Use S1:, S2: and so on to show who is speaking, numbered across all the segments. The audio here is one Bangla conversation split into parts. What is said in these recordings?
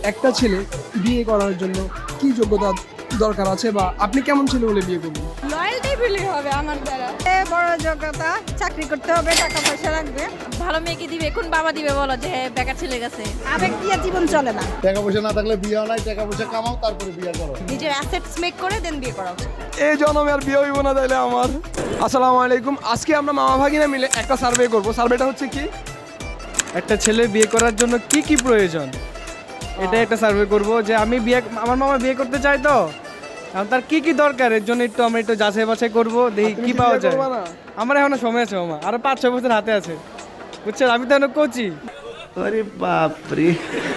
S1: একটা ছেলে বিয়ে করার জন্য কি যোগ্যতা দরকার আছে বা আপনি কেমন ছেলে হলে বিয়ে করবেন?
S2: লয়ালটি ফিলি হবে আমার দ্বারা। বড় যোগ্যতা, চাকরি করতে হবে, টাকা পয়সা রাখবে,
S3: ভালো মেয়েকে দিবে, কোন বাবা দিবে বলো যে বেকার ছেলে গেছে?
S2: আবেগ দিয়ে জীবন চলে না।
S4: টাকা পয়সা না থাকলে বিয়ে হয় না, টাকা পয়সা কামাও তারপরে বিয়ে করো।
S2: নিজের অ্যাসেটস মেক করে দেন বিয়ে করা উচিত।
S1: এই জন্মে আর বিয়ে হইব না তাইলে আমার। আসসালামু আলাইকুম। আজকে আমরা মামা ভাগিনা মিলে একটা সার্ভে করব। সার্ভেটা হচ্ছে কি,
S5: একটা ছেলে বিয়ে করার জন্য কি কি প্রয়োজন এটা একটা সার্ভে করব যে আমার মামা বিয়ে করতে চায় তো এখন তার কি কি দরকার এর জন্য আমরা একটু যাচাই বাছাই করবো দেখি
S1: তুমি
S5: কি
S1: কি
S5: পাওয়া
S1: বিয়ে
S5: যায়।
S1: করবা না?
S5: আমার এখনো সময় আছে মামা, আরো 5-6 বছর হাতে আছে বুঝছেন, আমি তো এখনো কোচি।
S6: अरे बाप रे।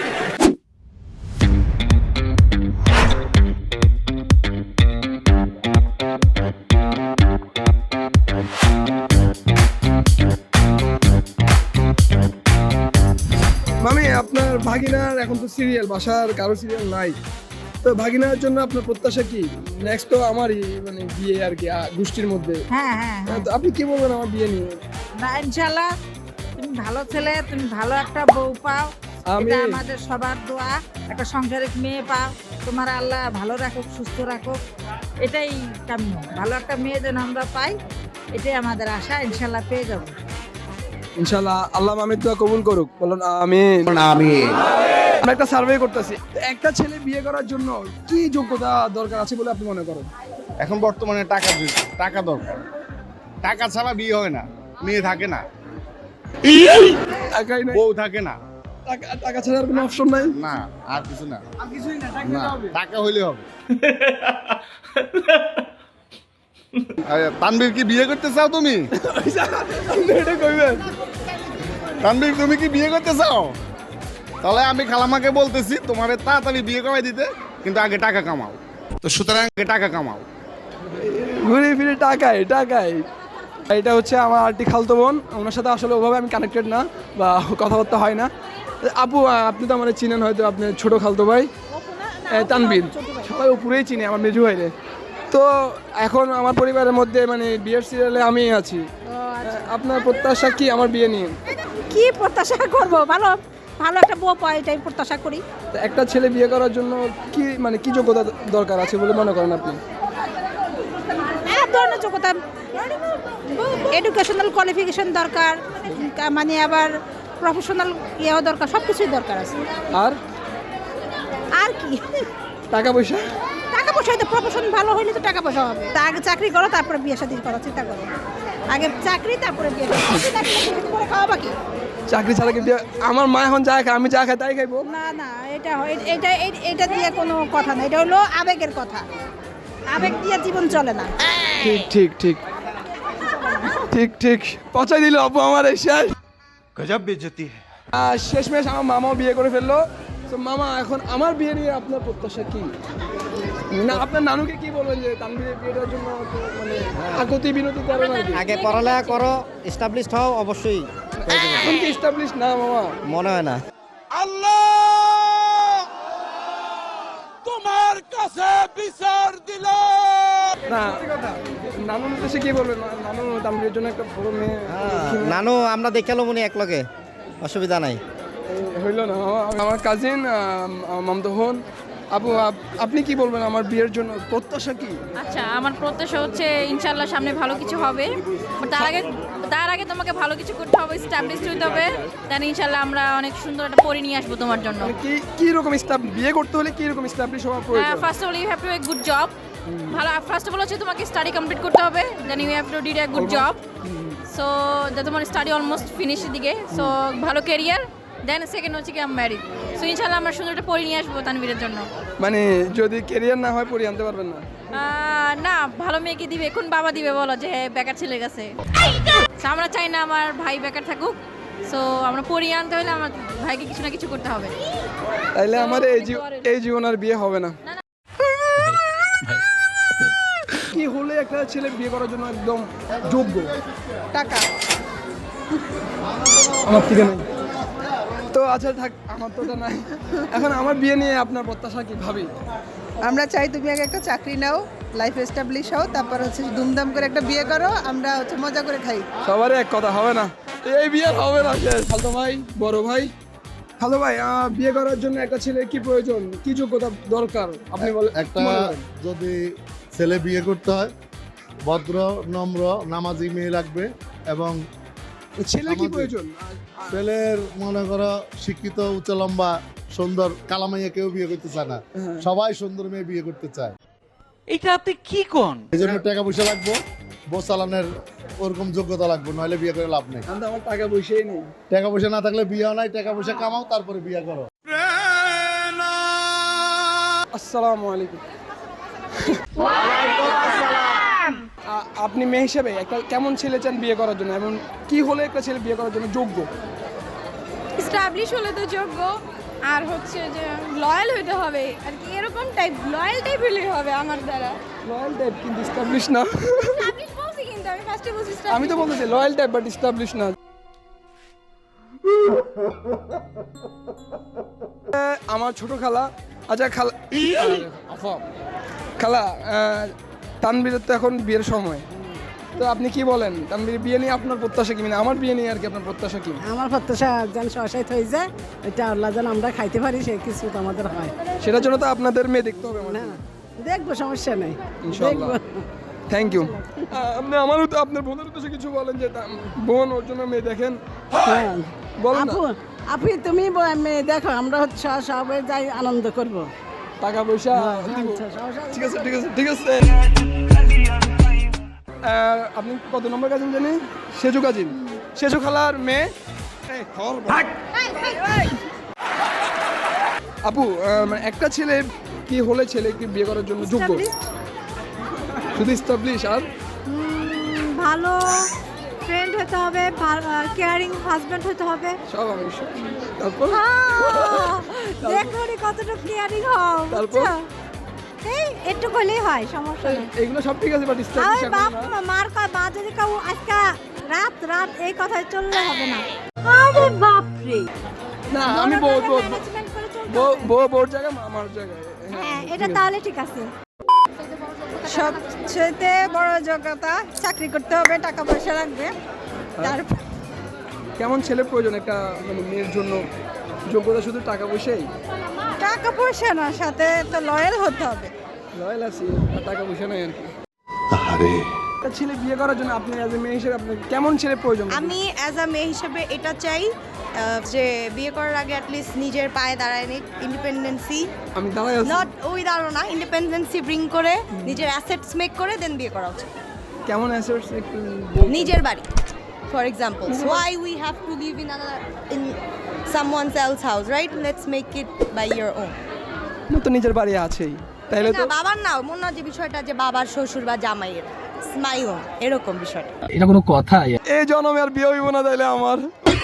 S1: মামি আপনার ভাগিনার এখন তো সিরিয়াল, বাসার কারো সিরিয়াল নাই, তো ভাগিনার জন্য আপনার প্রত্যাশা কি? নেক্সট তো আমারই মানে বিয়ে আর কি গোষ্ঠীর মধ্যে।
S2: হ্যাঁ হ্যাঁ হ্যাঁ।
S1: তো আপনি কি বলবেন আমার বিয়ে নিয়ে?
S2: না, ইনশাআল্লাহ তুমি ভালো ছেলে, তুমি ভালো একটা বউ পাও,
S1: আমি-
S2: এটা আমাদের সবার দোয়া। একটা সংসারিক মেয়ে পাও, তোমার আল্লাহ ভালো রাখুক, সুস্থ রাখুক, এটাই কাম্য। ভালো একটা মেয়ে যেন আমরা পাই, এটাই আমাদের আশা। ইনশাআল্লাহ পেয়ে যাবো।
S1: ইনশাআল্লাহ আল্লাহ মামির দোয়া কবুল করুক, বলুন আমিন। আমরা একটা সার্ভে করতেছি, একটা ছেলে বিয়ে করার জন্য কি যোগ্যতা দরকার আছে বলে আপনি মনে করেন?
S4: এখন বর্তমানে টাকা দরকার। টাকা ছাড়া বিয়ে হয় না, মেয়ে থাকে না,
S1: টাকাই নাই,
S4: বউ থাকে না,
S1: টাকা ছাড়া আর কোনো অপশন নাই।
S4: না আর কিছু না।
S1: আর কিছুই না, টাকা
S4: না
S1: দিতে হবে।
S4: টাকা হইলে হবে। তানবীর কি বিয়ে করতে চাও তুমি?
S1: আপনি এটা কইবেন?
S4: তানবীর তুমি কি বিয়ে করতে চাও? তাহলে আমি খালামাকে বলতেছি তোমারে তাড়াতাড়ি বিয়ে করাই দিতে, কিন্তু আগে টাকা কামাও। তো সুতরাং আগে টাকা কামাও।
S1: ঘুরে ফিরে টাকায় টাকায়। এটা হচ্ছে আমার আরেকটি খালতো বোন, ওনার সাথে আসলে ওভাবে আমি কানেক্টেড না বা কথাবার্তা হয় না। আপু আপনি তো আমার চিনেন, হয়তো আপনার ছোট খালতো ভাই তানবীর, সবাই উপরেই চিনে আমার মেজু ভাইরে। তো এখন আমার পরিবারের মধ্যে মানে বিয়ের সিরিয়ালে আমি আছি। আপনার প্রত্যাশা কি আমার বিয়ে নিয়ে?
S2: কি প্রত্যাশা করব? ভালো ভালো একটা বউ পাই, এটাই প্রত্যাশা করি।
S1: তো একটা ছেলে বিয়ে করার জন্য কি মানে কি যোগ্যতা দরকার আছে বলে মনে করেন আপনি?
S2: ধরনের যোগ্যতা, এডুকেশনাল কোয়ালিফিকেশন দরকার, মানে আবার প্রফেশনাল ইয়েও দরকার, সব কিছুই দরকার আছে।
S1: আর
S2: আর কি,
S1: টাকা পয়সা?
S2: টাকা পয়সা হয়তো প্রফেশন ভালো হইলে তো টাকা পয়সা হবে। তা আগে চাকরি করো, তারপরে বিয়ে শাদী করার চিন্তা করো। আগে চাকরি, তারপরে বিয়ে করে খাওয়া বাকি।
S1: চাকরি ছাড়া কি বিয়ে? আমার মা এখন যা খায় আমি যা খাই তাই খাইবো।
S2: না না, এটা দিয়ে কোনো কথা না, এটা হলো আবেগের কথা। আবেগ দিয়ে জীবন চলে না।
S1: ঠিক ঠিক ঠিক ঠিক ঠিক পচাই দিল আপু আমার এই শেষ।
S6: गजब बेइज्जती है।
S1: শেষমেশ আমার মামাও বিয়ে করে ফেললো। তো মামা এখন আমার বিয়ে নিয়ে আপনার প্রত্যাশা কি? না আপনার নানুকে কি বলবেন যে তানভীরের বিয়েটার জন্য তো মানে আগতি বিনতি করে নাকি?
S7: আগে পড়ালেখা করো, এস্টাবলিশড হও, অবশ্যই
S1: এখন কি এস্টাবলিশ না মামা?
S7: মনে হয় না।
S1: না নানুর উদ্দেশ্যে কি বলবেন? নানু তানভীরের জন্য একটা বড় মেয়ে
S7: নানু আমরা দেখালো মনে এক লগে, অসুবিধা নাই।
S1: হইল না মামা। আমার কাজিন মামতো হন। আপু আপনি কি বলবেন আমার বিয়ের জন্য প্রত্যাশা কি?
S3: আচ্ছা, আমার প্রত্যাশা হচ্ছে ইনশাআল্লাহ সামনে ভালো কিছু হবে। তার আগে তোমাকে ভালো কিছু করতে হবে, এস্টাবলিশড হতে হবে, দেন ইনশাআল্লাহ আমরা অনেক সুন্দর একটা পরি নিয়ে আসবো তোমার জন্য।
S1: মানে কি রকম বিয়ে করতে হলে কি রকম এস্টাবলিশ হওয়া প্রয়োজন?
S3: First of all you have to a good job. ভালো, ফার্স্ট অফ অল হচ্ছে তোমাকে স্টাডি কমপ্লিট করতে হবে, then you have to did a good job. So তোমার স্টাডি অলমোস্ট ফিনিশের দিকে, সো ভালো ক্যারিয়ার, দেন সেকেন্ড হচ্ছে কি আমি ম্যারিড। সো ইনশাআল্লাহ আমরা সুন্দর একটা পরি নিয়ে আসবো তানভীরের জন্য।
S1: মানে যদি ক্যারিয়ার না হয় পরি আনতে পারবেন না?
S3: না, ভালো মেয়েকে দিবে, কোন বাবা দিবে বলো যে বেকার ছেলে গেছে? So, আমরা চাই না আমার ভাই বেকার থাকুক। সো আমরা পরিয়ে আনতে হলে আমার ভাইকে কিছু না কিছু করতে হবে।
S1: তাইলে আমার এই জীবন আর বিয়ে হবে না। কি হলে একটা ছেলে বিয়ে করার জন্য একদম যোগ্য?
S2: টাকা।
S1: আমার থেকে নাই তো। আচ্ছা থাক, আমার তো ওটা নাই। এখন আমার বিয়ে নিয়ে আপনার প্রত্যাশা কি ভাবি?
S8: আমরা চাই তুমি আগে একটা চাকরি নাও, লাইফ এস্টাবলিশ হও, তারপর হচ্ছে ধুমধাম করে একটা বিয়ে করো, আমরা হচ্ছে মজা করে খাই।
S1: সবারই এক কথা হবে না, এই বিয়ে হবে না। শেষ। খালতো ভাই, বড় ভাই, হ্যালো ভাই, বিয়ে করার জন্য একটা ছেলে কি প্রয়োজন, কি যোগ্যতা দরকার আপনি বলেন।
S9: একটা যদি ছেলে বিয়ে করতে হয় ভদ্র নম্র নামাজি মেয়ে লাগবে, এবং
S1: ছেলে কি প্রয়োজন?
S9: ছেলের মনে করো শিক্ষিত উচ্চ লম্বা সুন্দর কালামাইয়া কেউ বিয়ে করতে চায় না, সবাই সুন্দর মেয়ে বিয়ে করতে চায়।
S6: এটা আপনি কি কোন?
S9: এই জন্য টাকা পয়সা লাগবে, বউ চালানোর ওরকম যোগ্যতা লাগবে, নইলে বিয়ে করে লাভ নেই।
S1: আমার টাকা পয়সাই নেই।
S9: টাকা পয়সা না থাকলে বিয়ে নাই, টাকা পয়সা কামাও তারপরে বিয়ে করো।
S1: আসসালামু আলাইকুম। আপনি মেয়ে হিসেবে একটা কেমন ছেলে চান বিয়ে করার জন্য, এবং কি হলে একটা ছেলে বিয়ে করার জন্য যোগ্য?
S3: স্টাবলিশ হলে তো যোগ্য, আর হচ্ছে যে লয়াল হইতে হবে আর কি, এরকম টাইপ লয়াল টাইপ হলেই হবে আমার দ্বারা।
S1: লয়াল টাইপ কিন্তু স্টাবলিশ না।
S3: স্টাবলিশ বলছি, কিন্তু আমি ফার্স্টে বলছি
S1: আমি তো বলতেছি লয়াল টাইপ বাট স্টাবলিশ না। আমার ছোট খালা, আচ্ছা খালা, খালা তানবীরের তো এখন বিয়ের সময়, তো আপনি কি বলেন তানবীর বিয়ে নিয়ে আপনার প্রত্যাশা কি, মানে আমার বিয়ে নিয়ে আর কি আপনার প্রত্যাশা কি?
S2: আমার প্রত্যাশা যেন সহসাইত হয়ে যায়, এটা আল্লাহ যেন আমরা খাইতে পারি, সেই কিছু তো আমাদের হয়।
S1: সেটার জন্য তো আপনাদের মেয়ে দেখতে হবে আমার।
S2: দেখবো, সমস্যা নেই,
S1: ইনশাআল্লাহ। Thank you. আপনি আমারও তো আপনার বোনের উদ্দেশ্যে কিছু বলেন, যে বোন ওর জন্য মেয়ে দেখেন,
S2: হ্যাঁ
S1: বলেন না।
S2: আপু, আপনি তুমি মেয়ে দেখো, আমরা হচ্ছে সবাই যাই আনন্দ করবো।
S1: টাকা পয়সা দিব। ঠিক আছে ঠিক আছে ঠিক আছে। আপনি কত নম্বর কাজিন জানি? সেজু কাজিন, সেজু খালার মেয়ে। আপু, মানে একটা ছেলে কি হলে ছেলে কি বিয়ে করার জন্য যোগ্য? শুধু স্টাবলিশ আর
S3: ভালো ফ্রেন্ড হতে হবে, কেয়ারিং হাজবেন্ড হতে হবে।
S1: সব আমি তারপর
S3: দেখো কতটা কেয়ারিং হও,
S1: তারপর
S3: এই একটু হলেই হয়, সমস্যা নেই।
S1: এগুলো সব ঠিক আছে বাট স্টাবলিশ
S3: মার কয় বা যদি কেউ আজকে রাত রাত এই কথাই চললে হবে না। আরে বাপ রে,
S1: না আমি বউ বউ
S3: ম্যানেজমেন্ট করে চলতে
S1: বউ
S3: হবে।
S1: বউ বোর জায়গায় আমার জায়গায়।
S3: হ্যাঁ, এটা তাহলে ঠিক আছে।
S2: সবচেয়ে বড় যোগ্যতা, চাকরি করতে হবে, টাকা পয়সা লাগবে। তারপর
S1: কেমন ছেলে প্রয়োজন একটা মানে মেয়ের জন্য? যোগ্যতা শুধু টাকা পয়সাই?
S2: টাকা পয়সা না, সাথে তো লয়াল হতে হবে।
S1: লয়াল আছি, আর টাকা পয়সা নাই আর কি। একটা ছেলে বিয়ে করার জন্য আপনি অ্যাজ এ মেয়ে হিসেবে আপনার কেমন ছেলে প্রয়োজন?
S10: আমি অ্যাজ আ মেয়ে হিসেবে এটা চাই যে বিয়ে করার আগে অ্যাটলিস্ট নিজের পায়ে দাঁড়ায় নিক, ইন্ডিপেন্ডেন্সি,
S1: আমি দাঁড়াই আছি।
S10: নট ওই দাঁড়ো না, ইন্ডিপেন্ডেন্সি ব্রিং করে নিজের অ্যাসেটস মেক করে দেন বিয়ে করা উচিত।
S1: কেমন অ্যাসেটস একটু বলবেন?
S10: নিজের বাড়ি, for example, why we have to live in someone's else house, right? Let's make it by your own.
S1: আমার তো নিজের বাড়ি আছেই, তাইলে তো
S10: না বাবার না, মনে হয় যে বিষয়টা যে বাবার শ্বশুর বা জামাইয়ের স্মাই ওন, এরকম বিষয়টা।
S1: এটা কোনো কথা? এই জন্মে আর বিয়ে হইব না তাইলে আমার,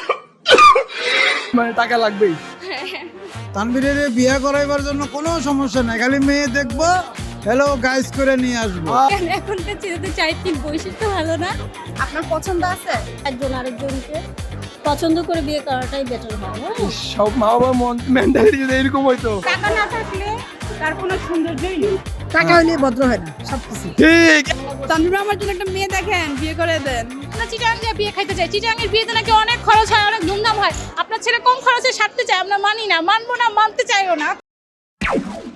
S1: মানে টাকা লাগবেই।
S5: তানবীরের বিয়ে করাইবার জন্য কোনো সমস্যা নাই, খালি মেয়ে দেখবো, হ্যালো গাইস করে নিয়ে আসবো।
S3: এখনকার ছেলেদের চারিত্রিক বৈশিষ্ট্য ভালো না।
S10: আপনার পছন্দ আছে?
S3: একজন আরেকজনকে পছন্দ করে বিয়ে করাটাই বেটার হয়।
S1: সব মা বাবার মেন্টালিটি যদি এরকম হইতো।
S3: টাকা না থাকলে তার কোনো সৌন্দর্যই নেই।
S2: টাকা হইলে ভদ্র হয় না সবকিছু।
S1: ঠিক।
S3: তানভীর আমার জন্য একটা মেয়ে দেখেন, বিয়ে করে দেন। না চিটাং যে বিয়ে খাইতে চাই, চিটাংয়ের বিয়েতে নাকি অনেক খরচ হয়, অনেক ধুমধাম হয়। আপনার ছেলে কম খরচে সারতে চায়, আমরা মানি না, মানবো না, মানতে চাইও না।